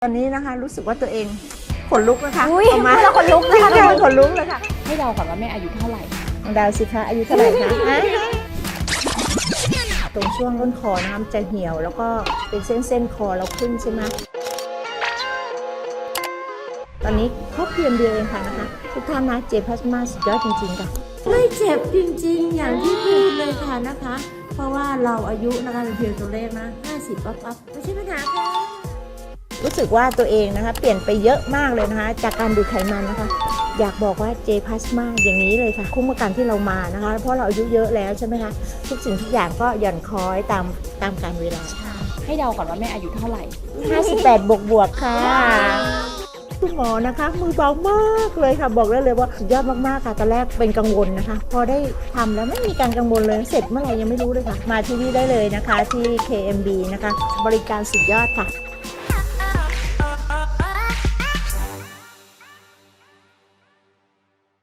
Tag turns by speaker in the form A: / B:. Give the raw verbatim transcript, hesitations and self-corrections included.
A: ตอนนี้นะคะรู้สึกว่าตัวเองขนลุกนะคะ
B: อุ้ย
A: ออกมา
B: แล้วขนลุกนะคะ
A: ขนลุกเลยค่ะ
B: ให้เราก่อนว่าแม่อายุเท่าไหร่คะ
A: น้องดาวสิคะอายุเท่าไหร่คะอ่ะตรงช่วงต้นคอนะคะมันจะเหี่ยวแล้วก็เป็นเส้นเส้นๆคอเราขึ้นใช่ไหมตอนนี้ครบเพียงเดียวเองค่ะนะคะทุกท่านนะเจพลาสมาสุดยอดจริงๆค่ะ
C: ไม่เจ็บจริงๆ อย่างที่พูดเลยค่ะนะคะ เพราะว่าเราอายุนะคะเป็นเพียงตัวเลขนะห้าสิบปั๊บปั๊บไม่ใช่ปัญหาค่ะ
A: รู้สึกว่าตัวเองนะคะเปลี่ยนไปเยอะมากเลยนะคะจากการดูดไขมันนะคะ อยากบอกว่าเจพลาสมาอย่างนี้เลยค่ะคุ้มกับการที่เรามานะคะ เพราะเราอายุเยอะแล้วใช่ไหมคะทุกสิ่งทุกอย่างก็หย่อนคล้อยตามตามกาลเวลา
B: ให้เราก่อนว่าแม่อายุเท่าไหร่
A: ห้าสิบแปดบวกบวกๆค่ะคุณหมอนะคะมือเบามากเลยค่ะบอกได้เลยว่าสุดยอดมากๆค่ะตอนแรกเป็นกังวลนะคะ พอได้ทำแล้วไม่มีการกังวลเลยเสร็จเมื่อไหร่ยังไม่รู้เลยค่ะ มาที่นี่ได้เลยนะคะที่ เค เอ็ม บี นะคะบริการสุดยอดค่ะ